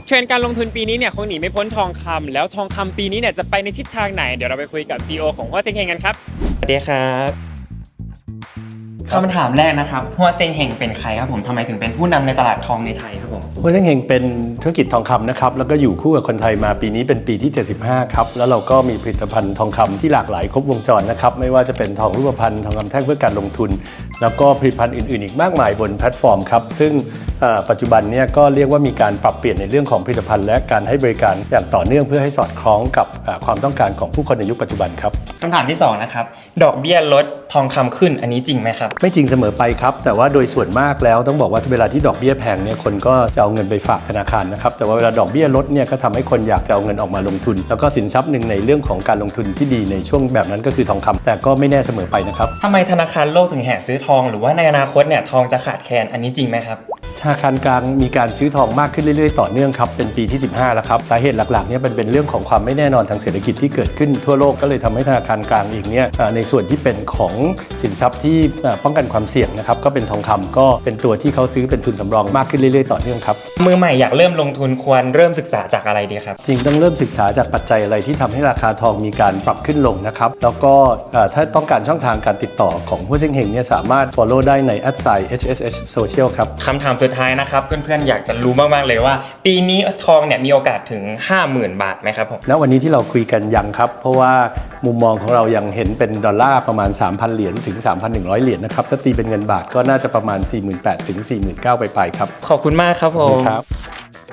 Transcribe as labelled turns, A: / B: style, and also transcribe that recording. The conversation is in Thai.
A: เทรนด์การลงทุนปีนี้เนี่ยคงหนีไม่พ้นทองคำแล้วทองคำปีนี้เนี่ยจะไปในทิศทางไหนเดี๋ยวเราไปคุยกับ CEO ของหัวเซ็งเฮงกันครับสวัสดีครับคำถามแรกนะครับหัวเซ็งเฮงเป็นใครครับผมทำไมถึงเป็นผู้นำในตลาดทองในไทยครับผม
B: หัวเซ็งเฮงเป็นธุรกิจทองคำนะครับแล้วก็อยู่คู่กับคนไทยมาปีนี้เป็นปีที่75ครับแล้วเราก็มีผลิตภัณฑ์ทองคำที่หลากหลายครบวงจรนะครับไม่ว่าจะเป็นทองรูปพรรณทองคำแท่งเพื่อการลงทุนแล้วก็ผลิตภัณฑ์อื่นๆอีกมากมายบนแพลตฟอร์มครับซึ่งปัจจุบันเนี่ยก็เรียกว่ามีการปรับเปลี่ยนในเรื่องของผลิตภัณฑ์และการให้บริการอย่างต่อเนื่องเพื่อให้สอดคล้องกับความต้องการของผู้คนในยุคปัจจุบันครับ
A: คำถามที่2นะครับดอกเบี้ยลดทองคำขึ้นอันนี้จริงไหมครับ
B: ไม่จริงเสมอไปครับแต่ว่าโดยส่วนมากแล้วต้องบอกว่าเวลาที่ดอกเบี้ยแพงเนี่ยคนก็จะเอาเงินไปฝากธนาคารนะครับแต่ว่าเวลาดอกเบี้ยลดเนี่ยก็ทำให้คนอยากจะเอาเงินออกมาลงทุนแล้วก็สินทรัพย์หนึ่งในเรื่องของการลงทุนที่ดีในช่วงแบบนั้นก็คือทองคำแต่ก็ไม่แน่เสมอไปนะครับ
A: ทำไมธนาคารโลกถึงแห่ซื้อทองหรือว่าในอนาคตเนี่ยทองจะขาดแคลนอันนี้จริงไหมครับ
B: ธนาคารกลางมีการซื้อทองมากขึ้นเรื่อยๆต่อเนื่องครับเป็นปีที่15แล้วครับสาเหตุหลักๆเนี่ยเป็นเรื่องของความไม่แน่นอนทางเศรษฐกิจที่เกิดขึ้นทั่วโลกก็เลยทำให้ธนาคารกลางเองเนี่ยในส่วนที่เป็นของสินทรัพย์ที่ป้องกันความเสี่ยงนะครับก็เป็นทองคำก็เป็นตัวที่เขาซื้อเป็นทุนสำรองมากขึ้นเรื่อยๆต่อเนื่องครับ
A: มือใหม่อยากเริ่มลงทุนควรเริ่มศึกษาจากอะไรดีครับ
B: จริงต้องเริ่มศึกษาจากปัจจัยอะไรที่ทำให้ราคาทองมีการปรับขึ้นลงนะครับแล้วก็ถ้าต้องการช่องทางการติดต่อของหัวเซ็งเฮงเนี่ยสามารถ follow ได้ใน @HSH Social ครับ
A: คำถามสุดท้ายนะครับเพื่อนๆอยากจะรู้มากๆเลยว่าปีนี้ทองเนี่ยมีโอกาสถึง 50,000 บาทไหมครับผม
B: ณวันนี้ที่เราคุยกันยังครับเพราะว่ามุมมองของเรายังเห็นเป็นดอลลาร์ประมาณ 3,000 เหรียญถึง 3,100 เหรียญนะครับถ้าตีเป็นเงินบาทก็น่าจะประมาณ 48,000 ถึง 49,000 ไปครับ
A: ขอบคุณมากครับผม
B: ครับ